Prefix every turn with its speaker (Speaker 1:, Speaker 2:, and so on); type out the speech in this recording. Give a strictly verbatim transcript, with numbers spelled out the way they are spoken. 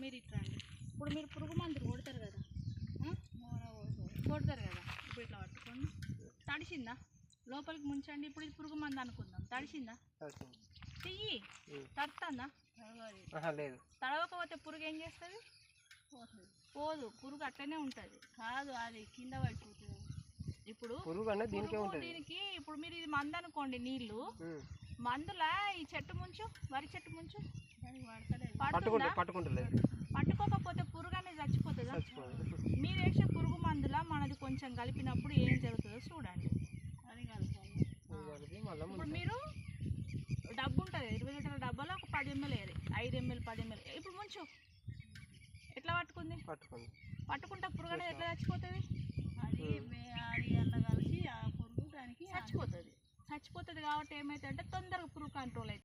Speaker 1: మీరు ఇట్లా అండి. ఇప్పుడు మీరు పురుగు మందులు కొడతారు కదా, కొడతారు కదా. ఇప్పుడు ఇట్లా పట్టుకోండి. తడిసిందా? లోపలికి ముంచండి. ఇప్పుడు ఇది పురుగు మందు అనుకుందాం. తడిసిందా? చెయ్యి తడుతుందా?
Speaker 2: లేదు.
Speaker 1: తడవకపోతే పురుగు ఏం చేస్తుంది? పోదు. పురుగు అట్టనే ఉంటుంది. కాదు, అది కింద పడిపోతుంది. ఇప్పుడు దీనికి ఇప్పుడు మీరు ఇది మందు అనుకోండి, నీళ్ళు మందులా ఈ చెట్టు ముంచు, వరి చెట్టు ముంచు, పట్టుకోకపోతే పురుగు అనేది చచ్చిపోతుందా? మీరు వేసే పురుగు మందులా మనది కొంచెం కలిపినప్పుడు ఏం జరుగుతుందో చూడండి. అది కలుపుకోండి. ఇప్పుడు మీరు డబ్బు ఉంటుంది, ఇరవై లీటర్ల డబ్బాలో ఒక పది ఎంఎల్ వేయాలి, ఐదు ఎంఎల్ పది ఎంఎల్. ఇప్పుడు ముంచు. ఎట్లా పట్టుకుంది?
Speaker 2: పట్టుకుంది
Speaker 1: పట్టుకుంటా పురుగు అనేది ఎట్లా చచ్చిపోతుంది?
Speaker 3: అది అది అలా కలిసి ఆ పురుగు దానికి
Speaker 1: చచ్చిపోతుంది. చచ్చిపోతుంది కాబట్టి ఏమవుతుంది అంటే తొందరగా పురుగు కంట్రోల్ అవుతుంది.